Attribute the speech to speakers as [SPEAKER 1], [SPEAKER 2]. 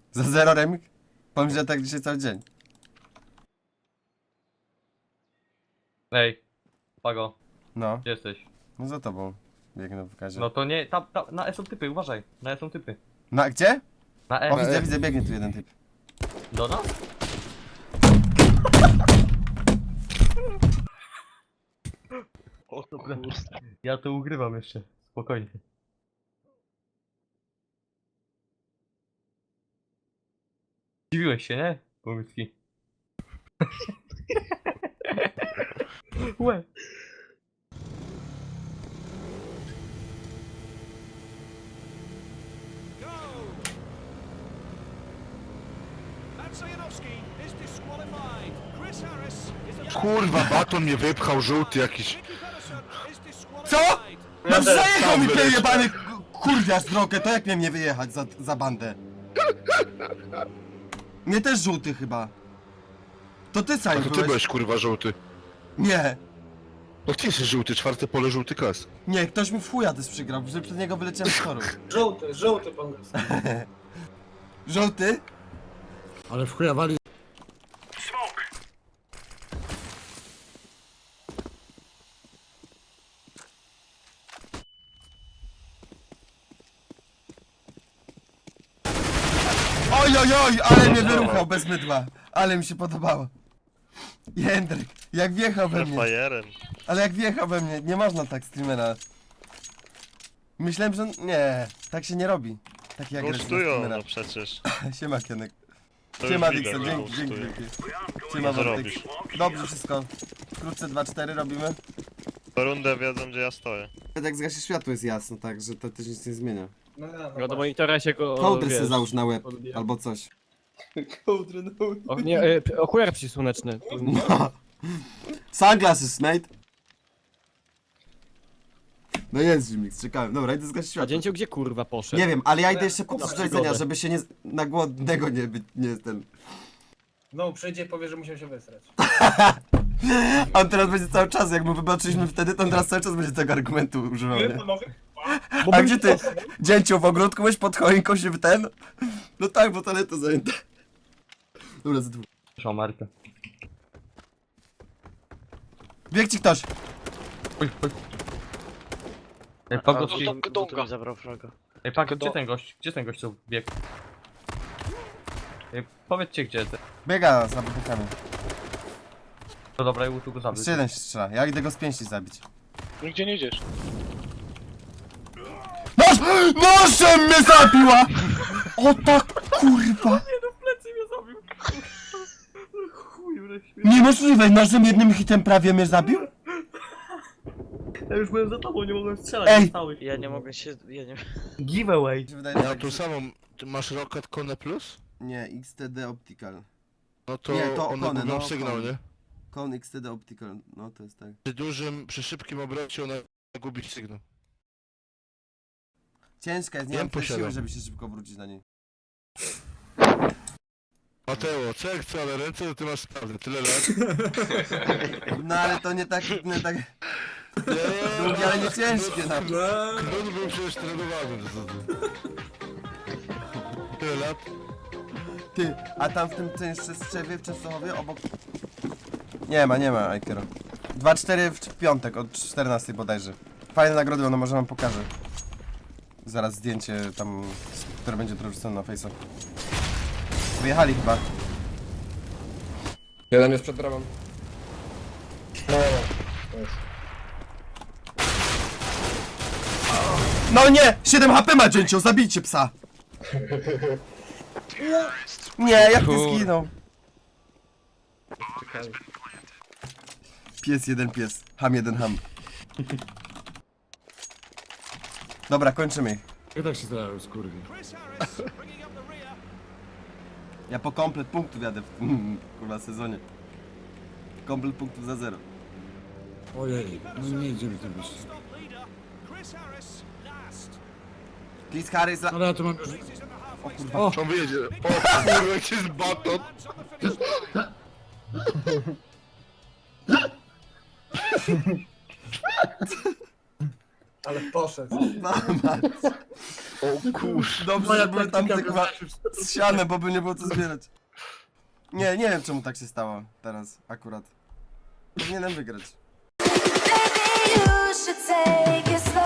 [SPEAKER 1] Za 0 remik? Powiem, że tak dzisiaj cały dzień.
[SPEAKER 2] Ej, Pago,
[SPEAKER 1] No,
[SPEAKER 2] gdzie jesteś?
[SPEAKER 1] no za tobą. Biegnę w kazie.
[SPEAKER 2] No to nie, tam, na E są typy, uważaj, na E są typy.
[SPEAKER 1] Na gdzie?
[SPEAKER 2] Na E.
[SPEAKER 1] O, widzę, widzę, biegnie tu jeden typ.
[SPEAKER 2] Do nas?
[SPEAKER 3] O
[SPEAKER 2] Dobra.
[SPEAKER 3] kurde.
[SPEAKER 2] Ja to ugrywam jeszcze, spokojnie. Dziwiłeś się, nie? Pomyśli. Łe.
[SPEAKER 4] Kurwa, baton mnie wypchał, żółty jakiś.
[SPEAKER 1] Co? No przejechał mi ten jebany kurwia z drogę, to jak miałem nie wyjechać za bandę? Mnie też żółty chyba. To ty
[SPEAKER 4] A
[SPEAKER 1] Saj
[SPEAKER 4] to ty
[SPEAKER 1] byłeś?
[SPEAKER 4] byłeś kurwa żółty.
[SPEAKER 1] Nie,
[SPEAKER 4] No ty jesteś żółty, czwarte pole żółty klas.
[SPEAKER 1] nie, ktoś mi w chuja też przygrał, że przed niego wyleciałem z toru.
[SPEAKER 5] Żółty pan jest.
[SPEAKER 1] Żółty?
[SPEAKER 6] Ale w chuja wali.
[SPEAKER 1] Oj, oj, oj, ale mnie wyruchał bez mydła. Ale mi się podobało. Jędryk, jak wjechał we mnie.
[SPEAKER 3] Fajerem.
[SPEAKER 1] Ale jak wjechał we mnie, nie można tak streamera. Myślałem, że... Nie, tak się nie robi. Taki agresywny
[SPEAKER 3] Gustują,
[SPEAKER 1] streamera.
[SPEAKER 3] no przecież.
[SPEAKER 1] Siema Kienek.
[SPEAKER 3] To
[SPEAKER 1] Siema
[SPEAKER 3] już widać,
[SPEAKER 1] Dixon,
[SPEAKER 3] że
[SPEAKER 1] dzięki, dzięki,
[SPEAKER 3] gustują.
[SPEAKER 1] dzięki. Siema
[SPEAKER 3] Co
[SPEAKER 1] Wojtek.
[SPEAKER 3] robisz?
[SPEAKER 1] Dobrze wszystko. Wkrótce 2-4 robimy.
[SPEAKER 3] Po rundę wiedzą, gdzie ja stoję.
[SPEAKER 1] Jak zgasi światło jest jasno, tak, że to też nic nie zmienia.
[SPEAKER 5] No
[SPEAKER 7] do monitora się go.
[SPEAKER 1] Kołdry sobie załóż na łeb,
[SPEAKER 7] odbija.
[SPEAKER 1] albo coś.
[SPEAKER 5] Kołdry, no.
[SPEAKER 7] O, nie, okular przysłoneczny.
[SPEAKER 1] No. Sunglasses, mate. No jest Jimix, czekałem. Dobra, idę zgasić
[SPEAKER 7] A
[SPEAKER 1] światło.
[SPEAKER 7] dzięcioł gdzie kurwa poszedł?
[SPEAKER 1] Nie wiem, ale ja idę jeszcze kupić
[SPEAKER 7] Na
[SPEAKER 1] do jedzenia,
[SPEAKER 7] przygodę.
[SPEAKER 1] żeby się nie... na głodnego nie być, nie ten...
[SPEAKER 5] No, przyjdzie i powie, że musiał się wysrać.
[SPEAKER 1] On teraz będzie cały czas, jak mu wybaczyliśmy wtedy, to on teraz cały czas będzie tego argumentu używał, nie?
[SPEAKER 5] Panowie?
[SPEAKER 1] A gdzie ty? Dzięciu, w ogródku byś pod choinką się w ten? No tak, bo toaleta zajęta. Dobra, za dwóch.
[SPEAKER 2] Proszę Markę.
[SPEAKER 1] Bieg ci ktoś!
[SPEAKER 2] Oj, oj. Ej, Pago,
[SPEAKER 3] Donga zabrał fraga.
[SPEAKER 2] Ej, Pago, gdzie ten gość? Gdzie ten gość co biegł? Ej, powiedzcie gdzie ty.
[SPEAKER 1] Biega za budynkami.
[SPEAKER 2] To dobra, ja tu go zabił.
[SPEAKER 1] Jeszcze jeden się strzela, ja idę go z pięści zabić.
[SPEAKER 3] Nigdzie nie idziesz.
[SPEAKER 1] Noż! Nożem mnie zabiła! O tak kurwa!
[SPEAKER 2] Nie no, w plecy mnie zabił. Chuj, wreszcie.
[SPEAKER 1] Niemożliwe, nożem jednym hitem prawie mnie zabił?
[SPEAKER 2] Ja już byłem za tobą, nie mogłem strzelać.
[SPEAKER 1] Ej!
[SPEAKER 2] Stałych.
[SPEAKER 3] Ja nie mogę się... Ja nie...
[SPEAKER 2] Giveaway.
[SPEAKER 4] Ja tu samą... Ty masz Rocket Cone Plus?
[SPEAKER 1] Nie, XTD Optical.
[SPEAKER 4] No to,
[SPEAKER 1] Nie, to
[SPEAKER 4] one
[SPEAKER 1] Cone,
[SPEAKER 4] gubią
[SPEAKER 1] no,
[SPEAKER 4] sygnał,
[SPEAKER 1] Cone.
[SPEAKER 4] nie?
[SPEAKER 1] Kon XTD Optical, no to jest tak.
[SPEAKER 4] Przy szybkim obrocie one gubić sygnał.
[SPEAKER 1] Ciężka jest, nie
[SPEAKER 4] Ja
[SPEAKER 1] mam tyle siły,
[SPEAKER 4] posiadam.
[SPEAKER 1] żeby się szybko wrócić na niej.
[SPEAKER 4] Mateo, co jak co, ale ręce to ty masz sprawne, tyle lat.
[SPEAKER 1] No ale to nie tak, nie tak...
[SPEAKER 4] Nie,
[SPEAKER 1] Długie, ale nie ciężkie, no.
[SPEAKER 4] Knut był przecież trenowany. Tyle lat.
[SPEAKER 1] Ty, a tam w tym jeszcze strzewie w Częstochowie obok... Nie ma, Aikero. 2-4 w piątek, od 14 bodajże. Fajne nagrody, no może wam pokażę. Zaraz zdjęcie tam, które będzie wrzucone na Face'a. Wyjechali chyba.
[SPEAKER 8] Jeden jest przed bramą.
[SPEAKER 1] No nie! 7 HP ma dzięcioł, zabijcie psa! Nie, jak ty zginął? Pies jeden pies, ham jeden ham. Dobra, kończymy ich.
[SPEAKER 6] I tak się zdają, skurwi.
[SPEAKER 1] Ja po komplet punktów jadę w tym kurwa sezonie. Komplet punktów za 0.
[SPEAKER 6] Ojej, no nie idziemy tym wyjść.
[SPEAKER 1] Chris Harris
[SPEAKER 6] Ale ja tu mam już...
[SPEAKER 1] O kurwa.
[SPEAKER 6] O!
[SPEAKER 4] On wyjedzie. O kurwa, jak jest baton.
[SPEAKER 5] Ale poszedł.
[SPEAKER 1] Mama.
[SPEAKER 4] O kur...
[SPEAKER 1] Dobrze,
[SPEAKER 5] Moja
[SPEAKER 1] że były tam
[SPEAKER 5] taktyka
[SPEAKER 1] chyba
[SPEAKER 5] wystarczy.
[SPEAKER 1] z sianem, bo by nie było co zbierać. Nie wiem czemu tak się stało teraz, akurat. Powinienem wygrać.
[SPEAKER 8] Maybe you should take it slow.